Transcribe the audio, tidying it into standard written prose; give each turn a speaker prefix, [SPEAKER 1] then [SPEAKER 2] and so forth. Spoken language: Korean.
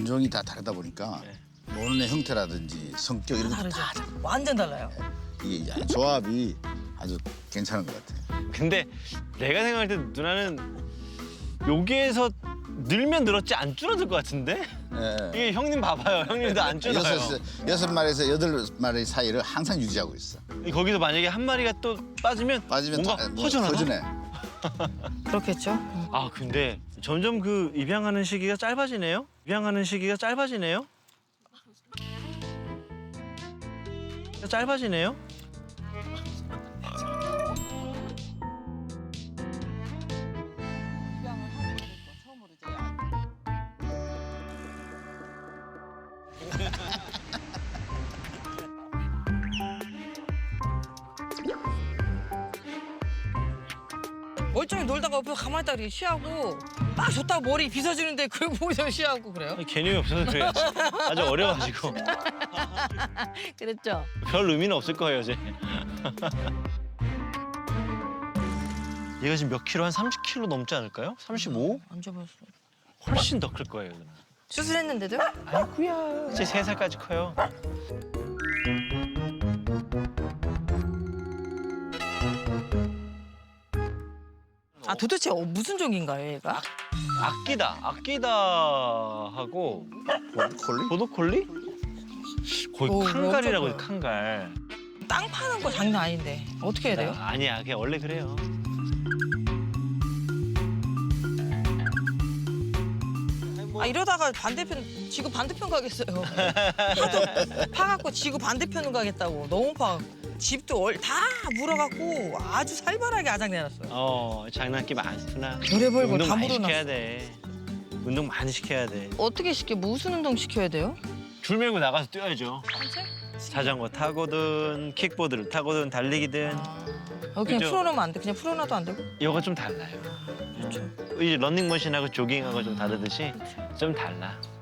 [SPEAKER 1] 인종이 다 다르다 보니까 노는 애 형태라든지 성격 이런 것도
[SPEAKER 2] 다르죠.
[SPEAKER 1] 다 다르고
[SPEAKER 2] 완전 달라요.
[SPEAKER 1] 이게 조합이 아주 괜찮은 것 같아요.
[SPEAKER 3] 근데 내가 생각할 때 누나는 여기에서 늘면 늘었지 안 줄어들 것 같은데?
[SPEAKER 1] 예.
[SPEAKER 3] 이게 형님 봐봐요. 형님도 안 줄어요.
[SPEAKER 1] 여섯 마리에서 여덟 마리 사이를 항상 유지하고 있어.
[SPEAKER 3] 거기서 만약에 한 마리가 또 빠지면 뭔가 허전하다?
[SPEAKER 1] 허전해.
[SPEAKER 2] 그렇겠죠.
[SPEAKER 3] 아 근데 점점 그 입양하는 시기가 짧아지네요? 입양하는 시기가 짧아지네요? 짧아지네요?
[SPEAKER 2] 멀쩡히 놀다가 옆에 가만히 있다가 이렇게 쉬하고 막 줬다가 머리 빗어주는데 그걸 보고서 쉬하고 그래요?
[SPEAKER 3] 개념이 없어서 그래요. 아주 어려워가지고
[SPEAKER 2] 그랬죠.
[SPEAKER 3] 별 의미는 없을 거예요, 이제. 얘가 지금 몇 킬로? 한 30킬로 넘지 않을까요? 35?
[SPEAKER 2] 안 잡았어.
[SPEAKER 3] 훨씬 더 클 거예요, 누나.
[SPEAKER 2] 수술했는데도?
[SPEAKER 3] 아이쿠야. 이제 3살까지 커요.
[SPEAKER 2] 아 도대체 무슨 종인가요, 얘가?
[SPEAKER 3] 아끼다 하고
[SPEAKER 1] 콜리?
[SPEAKER 3] 보도콜리? 거의
[SPEAKER 2] 오,
[SPEAKER 3] 칸갈이라고
[SPEAKER 2] 엄청
[SPEAKER 3] 해요, 칸갈.
[SPEAKER 2] 땅 파는 거 장난 아닌데 어떻게 해야 돼요?
[SPEAKER 3] 아니야, 그냥 원래 그래요.
[SPEAKER 2] 아 이러다가 반대편 지구 반대편 가겠어요. 하도 파갖고 지구 반대편으로 가겠다고 너무 파갖고 집도 다 물어갖고 아주 살벌하게 아작내놨어요.
[SPEAKER 3] 장난기 많구나.
[SPEAKER 2] 별의별 걸
[SPEAKER 3] 운동
[SPEAKER 2] 다
[SPEAKER 3] 많이
[SPEAKER 2] 물어놨어.
[SPEAKER 3] 시켜야 돼. 운동 많이 시켜야 돼.
[SPEAKER 2] 어떻게 시켜? 무슨 운동 시켜야 돼요?
[SPEAKER 3] 줄 메고 나가서 뛰어야죠.
[SPEAKER 2] 산책?
[SPEAKER 3] 자전거 타고든 킥보드를 타고든 달리기든.
[SPEAKER 2] 그냥
[SPEAKER 3] 그죠?
[SPEAKER 2] 풀어놓으면 안 돼? 그냥 풀어놔도 안 되고?
[SPEAKER 3] 이거 좀 달라요.
[SPEAKER 2] 그렇죠.
[SPEAKER 3] 이제 런닝머신하고 조깅하고 좀 다르듯이 좀 달라.